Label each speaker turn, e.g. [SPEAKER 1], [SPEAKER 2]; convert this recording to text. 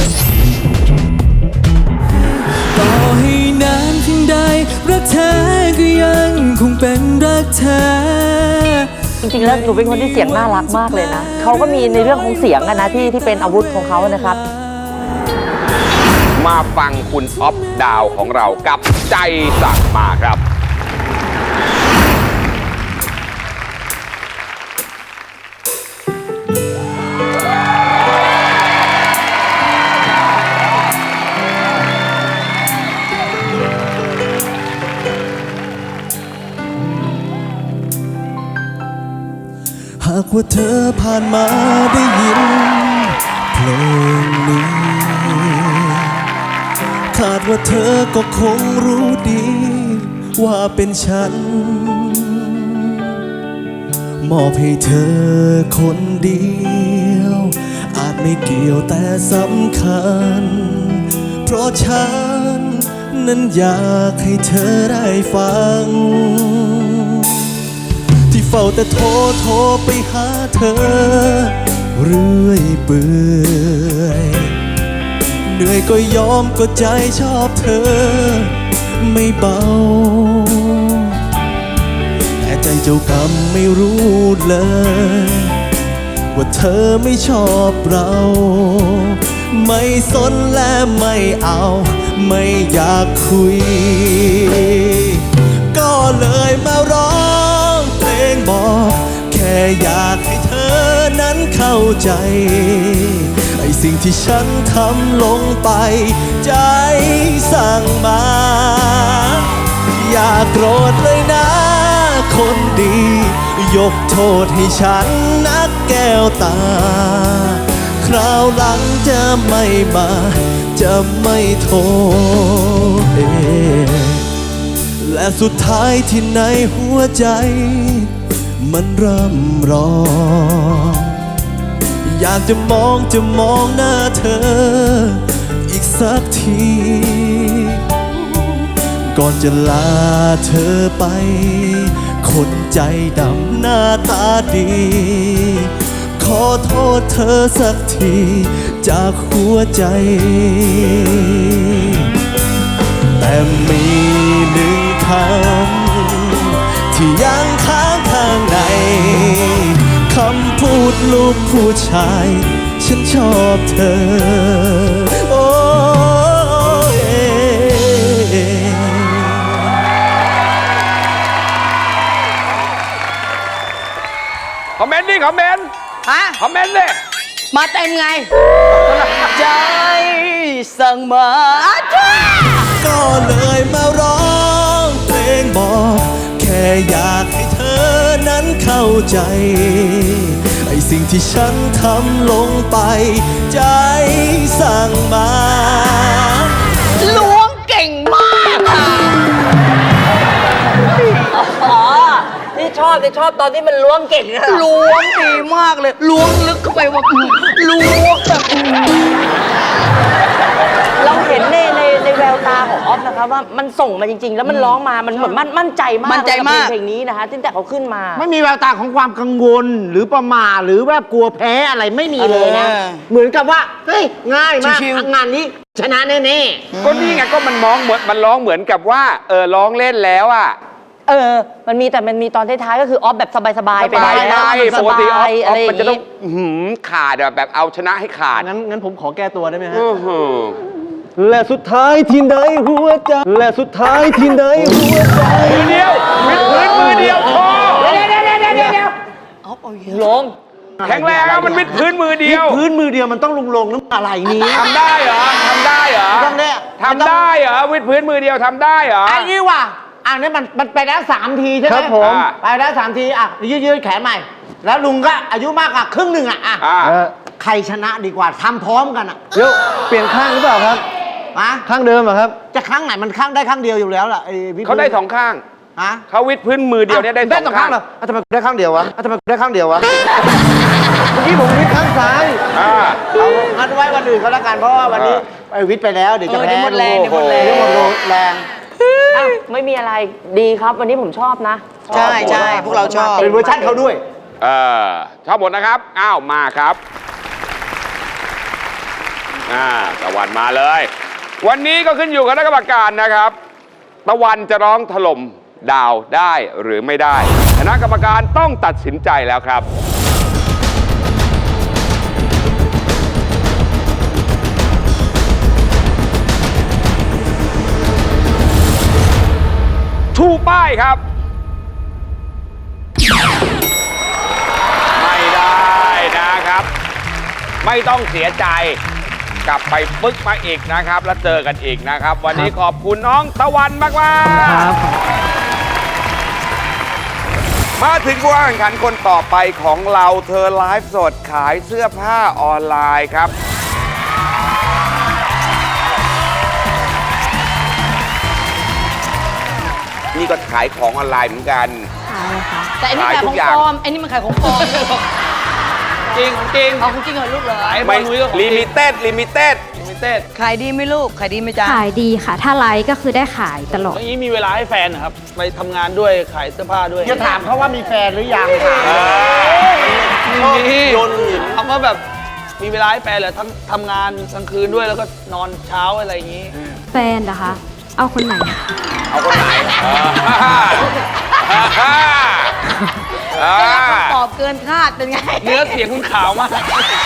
[SPEAKER 1] ต่อให้นานเพียงใดรักแท้ก็ยังคงเป็นรักแท้
[SPEAKER 2] จริงๆแล้วหนูเป็นคนที่เสียงน่ารักมากเลยนะเขาก็มีในเรื่องของเสียงกันนะที่เป็นอาวุธของเขานะครับ
[SPEAKER 3] มาฟังคุณอ๊อฟดาวของเรากับใจสั่งมาครับ
[SPEAKER 1] หากว่าเธอผ่านมาได้ยินเพลงนี้คาดว่าเธอก็คงรู้ดีว่าเป็นฉันมอบให้เธอคนเดียวอาจไม่เกี่ยวแต่สำคัญเพราะฉันนั้นอยากให้เธอได้ฟังที่เฝ้าแต่โทรไปหาเธอเรื่อยเปื่อยเหนื่อยก็ยอมก็ใจชอบเธอไม่เบาแต่ใจเจ้ากรรมไม่รู้เลยว่าเธอไม่ชอบเราไม่สนและไม่เอาไม่อยากคุยก็เลยมาร้องเพลงบอกแค่อยากให้เธอนั้นเข้าใจไอ้สิ่งที่ฉันทำลงไปใจสั่งมาอย่าโกรธเลยนะคนดียกโทษให้ฉันนักแก้วตาคราวหลังจะไม่มาจะไม่โทษและสุดท้ายที่ในหัวใจมันร่ำร้องอยากจะมองหน้าเธออีกสักทีก่อนจะลาเธอไปคนใจดำหน้าตาดีขอโทษเธอสักทีจากหัวใจแต่มีหนึ่งคำที่ยังค้างข้างในคำพูดลูกผู้ชายฉันชอบเธอโอ้
[SPEAKER 3] คอมเมนต์ดิคอมเมนต์
[SPEAKER 2] ฮะ
[SPEAKER 3] คอมเมนต์ดิ
[SPEAKER 2] มาเต็มไงใจสั่งมา
[SPEAKER 1] ก็เลยมาร้องเพลงบอกแค่อยากให้เธอนั้นเข้าใจไอ้สิ่งที่ฉันทำลงไปใจสั่งมา
[SPEAKER 2] ล้วงเก่งมากค่ะอ๋อที่ชอบตอนที่มันล้วงเก่งอะล้วงดีมากเลยล้วงลึกเข้าไปว่าล้วงแบบเราเห็นในแววตาของออฟนะคะว่ามันส่งมาจริงๆแล้วมันร้องมามันเหมือนมั่นใจมากเพลงนี้นะคะตั้งแต่เขาขึ้นมา
[SPEAKER 4] ไม่มีแววตาของความกังวลหรือประมาทหรือว่ากลัวแพ้อะไรไม่มีเลยนะเหมือนกับว่าเฮ้ยง่ายมากงานนี้ชนะแน่
[SPEAKER 3] ก็นี่ไงก็มันร้องเหมือนกับว่าร้องเล่นแล้วอ่ะ
[SPEAKER 2] มันมีตอนท้ายๆก็คือออฟแบบสบายๆไป
[SPEAKER 3] แล้วปกติออฟมันจะต้องขาดแบบเอาชนะให้ขาด
[SPEAKER 1] งั้นผมขอแก้ตัวได้ไหมฮะและสุดท้ายที่ไหนหัวใจและสุดท้ายที่ไหนหัวใจ
[SPEAKER 3] มือเดียววิดพื้นมือเดียวพอ
[SPEAKER 2] ลง
[SPEAKER 3] แข็งแรงอะมันวิดพื้นมือเดียว
[SPEAKER 4] พื้นมือเดียวมันต้องลงน้ำอะไรนี้
[SPEAKER 3] ทำได้เหรอทำได้เหรอวิดพื้นมือเดียวทำได้เหรอ
[SPEAKER 4] ไอ้นี่ว่ะอันนี้มันไปแล้ว3 ทีใช่ไหม
[SPEAKER 1] ครับผม
[SPEAKER 4] ไปแล้ว3 ทีอ่ะยืดแขนใหม่แล้วลุงก็อายุมากกว่าครึ่งหนึ่งอ่ะใครชนะดีกว่าทำพร้อมกันอ่ะ
[SPEAKER 1] เดี๋ยวเปลี่ยนข้างหรือเปล่าครับข้างเดิมเหรอครับ
[SPEAKER 4] จะข้างไหนมันข้างได้ข้างเดียวอยู่แล้วล่ะ
[SPEAKER 3] เขาได้2 ข้างเขาวิดพื้นมือเดียวเนี่ยได้2 ข้าง
[SPEAKER 4] เหรอทำไมได้ข้างเดียววะเมื่
[SPEAKER 1] อกี้ผมวิดข้างซ้าย
[SPEAKER 4] เอางั้นไว้วันอื่นเขาละกันเพราะว่าวันนี้ไปวิดไปแล้วเดี๋ยวจะแพ้
[SPEAKER 2] หมดแรง
[SPEAKER 4] แรง
[SPEAKER 2] ไม่มีอะไรดีครับวันนี้ผมชอบนะ
[SPEAKER 5] ใช่พวกเราชอบ
[SPEAKER 4] เป็นเวอร์ชันเขาด้วย
[SPEAKER 3] ชอบหมดนะครับอ้าวมาครับตะวันมาเลย วันนี้ก็ขึ้นอยู่กับคณะกรรมการนะครับ ตะวันจะร้องถล่มดาวได้หรือไม่ได้คณะกรรมการต้องตัดสินใจแล้วครับ ชูป้ายครับ ไม่ได้นะครับ ไม่ต้องเสียใจกลับไปปึ๊กมาอีกนะครับ แล้วเจอกันอีกนะครับ วันนี้ขอบคุณน้องตะวันมากๆมาถึงผู้แข่งขันคนต่อไปของเราเธอไลฟ์สดขายเสื้อผ้าออนไลน์ครับ นี่ก็ขายของออนไลน์เหมือนกัน
[SPEAKER 5] แต่อันนี้ขายของปลอมอันนี้มันขายของปลอม
[SPEAKER 3] จริงของจริง
[SPEAKER 5] เอาของจริงเหรอลูกเหรอ
[SPEAKER 3] ไม่ลิมิเต็ด
[SPEAKER 5] ขายดีไหมลูกขายดีไหมจ๊ะ
[SPEAKER 6] ขายดีค่ะ ถ้าไลฟ์ก็คือได้ขายตลอด
[SPEAKER 7] อย่างนี้มีเวลาให้แฟนนะครับ ไปทำงานด้วยขายเสื้อผ้าด้วย
[SPEAKER 4] จะถามเขาว่ามีแฟนหรือยังค่ะ
[SPEAKER 7] มีคำว่าแบบมีเวลาให้แฟนเหรอทั้งทำงานกลางคืนด้วยแล้วก็นอนเช้าอะไรอย่างนี้
[SPEAKER 6] แฟนเหรอคะ เอาคนไหน
[SPEAKER 3] เอาคนไหน
[SPEAKER 5] ตอบเกินคาดเป็นไง
[SPEAKER 7] เนื้อเสียงคุณขาวมาก